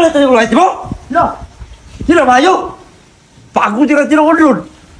na ito yung light mo? Lo. Sino mayo? Pagod yung tinukod.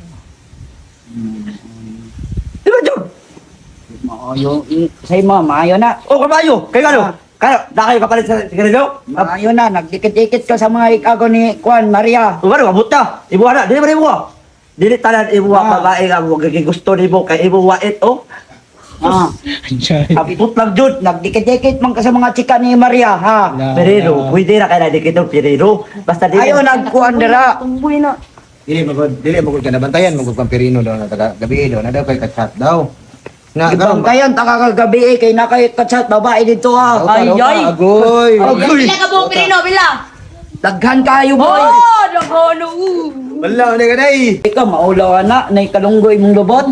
Di ba, John? Maayo. Say mo, maayo na. O, kamayo. Kaya ano? Kaya, na kayo kapalit sa sigarilyo? Maayo na. Nagdikit-dikit ka sa mga ikago ni Juan Maria. O, ano, abot na. Ibuha na. Dili ba ibuha? Dili tanan ibuha babae nga mo. Gusto ni mo kay ibuha ito. Ah. Abot lang, John. Nagdikit-dikit man ka sa mga chika ni Maria, ha? Perero, pwede na kaya dikit ng Perero. Basta dili. Ayaw nagkuhan dira. Tumboy na. Dili magod ka nabantayan magod kang pirino daw na taga gabi daw na daw kay kachat daw. Na Ibang karon kayan, takakagabi kay nakay katsat babae dito, ha? Ay, ay. agoy. Agoy. Bila ka buong pirino, bila. Daghan kayo, boy. Oh, nagano. Wala ni kaday. Ikaw, maulaw na, na ikalunggoy mong lubot.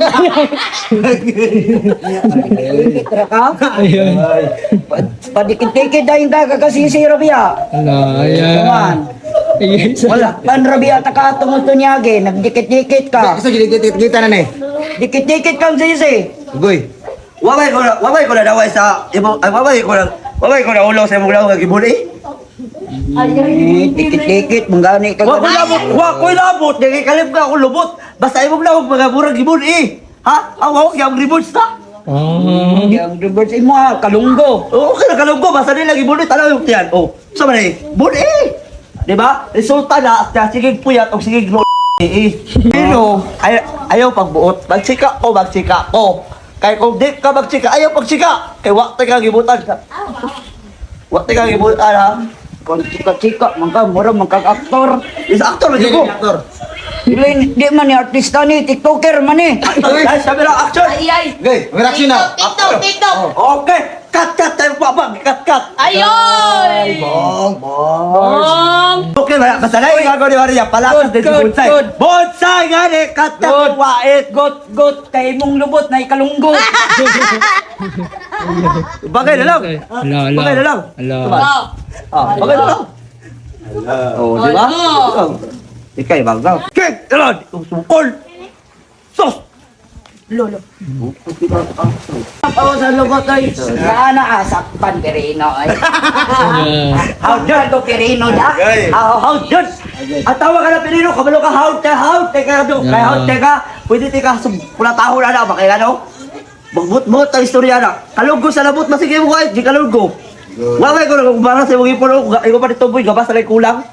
Tira ka? Padikit-dikit dahil kakasisiro biya. Kaman. Wala, panrabiya taka tungod to niyagi, nagdikit-dikit ka. Kasi kita na ni. Dikit-dikit kang sisi. Agoy. Wabay ko na daway sa imo. Ay, wabay ko na ulo sa imong daw gibuli. Dikit-dikit, manggani ka. Wa ko labot, dili kalib ka ako lubot. Basta imong daw mga burag gibuli. Ha? Awak yang ribut sa. Yung reverse mo, ha, kalunggo. Okay na kalunggo, basta nila gibuli tanaw yung tiyan. Oh, sa man eh. Buli. Di ba? Resulta na sige puyat o sige glo. Pero ayaw pagbuot. Magsika ko. Kay kung di ka magsika, ayaw pagsika. Kay wakti ka gibutan ka. Wakti ka gibutan ha. Kung chika-chika, murang aktor. Isa aktor lagi ko. Aktor. Di man ni artista ni, tiktoker man ni. Ay, sabi lang action. Ay, ay. Agoy, reaction na. TikTok. Okay, cut tayo pa. Cut. Ayoy. Bong. Bong. Okay, basta na yung gagawin ni Maria. Palakas din si Good, Bonsai. good. Bonsai nga ni, cut tayo wait. Got, kay mong lubot na ikalunggo. Bagay na lang. Bagay na lang. Bagay na lang. Oh, di ba? Ikay, bagaw. Kek, ilan? Sukol. Sos. Lolo. Ako sa lubot ay, naana asakpan Pirino ay. How dyan to Pirino da? How dyan? At tawa ka na Pirino, kabalo ka how ka, pwede ka pula taho na na, bakit ano? Magbut-mut ang istorya na. Kalunggo sa labot, masige mo kahit, di kalunggo. Waway ko na kung barang sa mong ipon, ikaw pa dito boy, gabas na kulang.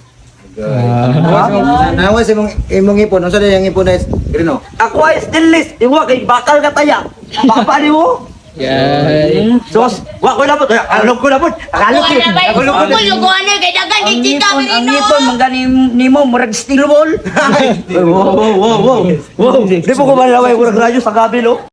Nawa sa imong ipon, unsa day ang ipon na pirino? Ako ay stainless, iwa kay bakal ka taya. Papa ni mo? Sos, wa ko labot, alog ko labot. Alog ko. Luguan na, kay dagan kay chika Ang pirino. ipon, manggani nimo, murag steel ball. Wow. Di po ko malaway ko nagradyo sa kabilo.